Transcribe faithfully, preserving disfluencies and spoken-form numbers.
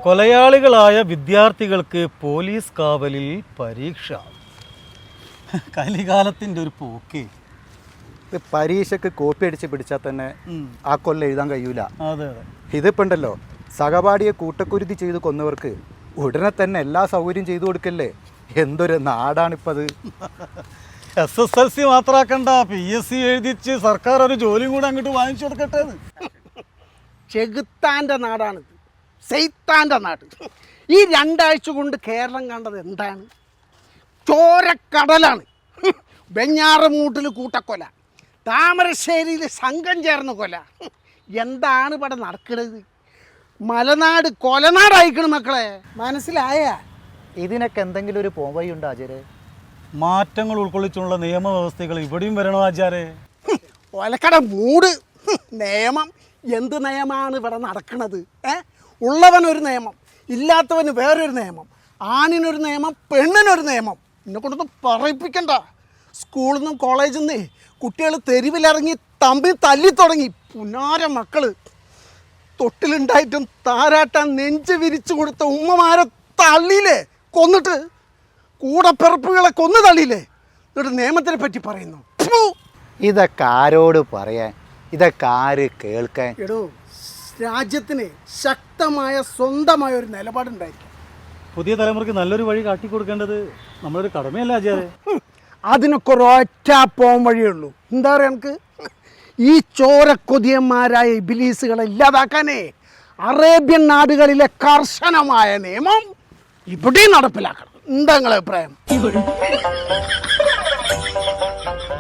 കൊലയാളികളായ വിദ്യാർത്ഥികൾക്ക് പോലീസ് കാവലിൽ പരീക്ഷ. കലികാലത്തിൻ്റെ ഒരു പോക്കേ. പരീക്ഷയ്ക്ക് കോപ്പി അടിച്ച് പിടിച്ചാൽ തന്നെ ആ കൊല്ലം എഴുതാൻ കഴിയൂല. അതെ അതെ. ഇതിപ്പോൾ ഉണ്ടല്ലോ, സഹപാഠിയെ കൂട്ടക്കുരുതി ചെയ്ത് കൊന്നവർക്ക് ഉടനെ തന്നെ എല്ലാ സൗകര്യം ചെയ്തു കൊടുക്കല്ലേ. എന്തൊരു നാടാണിപ്പത്. എസ് എസ് എൽ സി മാത്രമാക്കണ്ട, പി എസ് സി എഴുതിച്ച് സർക്കാർ ഒരു ജോലിയും കൂടെ അങ്ങോട്ട് വാങ്ങിച്ചു കൊടുക്കട്ടെ. ചെകുത്താൻ്റെ നാടാണിത്, സെയ്ത്താൻ്റെ നാട്. ഈ രണ്ടാഴ്ച കൊണ്ട് കേരളം കണ്ടത് എന്താണ്? ചോരക്കടലാണ്. വെഞ്ഞാറമൂട്ടിൽ കൂട്ടക്കൊല, താമരശ്ശേരിയിൽ സംഘം ചേർന്ന് കൊല. എന്താണ് ഇവിടെ നടക്കുന്നത്? മലനാട് കൊലനാടായിക്കണം മക്കളെ, മനസ്സിലായ? ഇതിനൊക്കെ എന്തെങ്കിലും ഒരു പോവഴി ഉണ്ടോ ആചാരെ? മാറ്റങ്ങൾ ഉൾക്കൊള്ളിച്ചുള്ള നിയമവ്യവസ്ഥകൾ ഇവിടെയും വരണോ ആചാരെ? ഒലക്കട മൂട്. നിയമം എന്ത് നിയമമാണ് ഇവിടെ നടക്കുന്നത്? ഏ ഉള്ളവനൊരു നിയമം, ഇല്ലാത്തവന് വേറൊരു നിയമം, ആണിനൊരു നിയമം, പെണ്ണിനൊരു നിയമം. എന്നെ കൊണ്ടൊന്നും പറയിപ്പിക്കണ്ട. സ്കൂളിൽ നിന്നും കോളേജിൽ നിന്നേ കുട്ടികൾ തെരുവിലിറങ്ങി തമ്മിൽ തല്ലി തുടങ്ങി. പുനാര മക്കൾ തൊട്ടിലുണ്ടായിട്ടും താരാട്ടാൻ നെഞ്ച് വിരിച്ചു കൊടുത്ത ഉമ്മമാരെ തള്ളിയില്ലേ, കൊന്നിട്ട് കൂടപ്പിറപ്പുകളെ കൊന്നു തള്ളിയില്ലേ. എന്നിട്ട് നിയമത്തിനെ പറ്റി പറയുന്നു. ഇതൊക്കെ ആരോട് പറയാൻ, ഇതൊക്കെ ആര് കേൾക്കാൻ? എടോ, രാജ്യത്തിന് ശക്തമായ സ്വന്തമായ ഒരു നിലപാടുണ്ടായിരിക്കും. പുതിയ തലമുറയ്ക്ക് നല്ലൊരു വഴി കാട്ടിക്കൊടുക്കേണ്ടത് നമ്മളൊരു കടമയല്ല ആചാരെ? അതിനൊക്കെ ഒരൊറ്റ പോം വഴിയുള്ളൂ. എന്താ പറയുക, നമുക്ക് ഈ ചോരക്കൊതിയന്മാരായ ഇബിലീസുകളെ ഇല്ലാതാക്കാനേ അറേബ്യൻ നാടുകളിലെ കർശനമായ നിയമം ഇവിടെയും നടപ്പിലാക്കണം. എന്താ നിങ്ങളുടെ അഭിപ്രായം?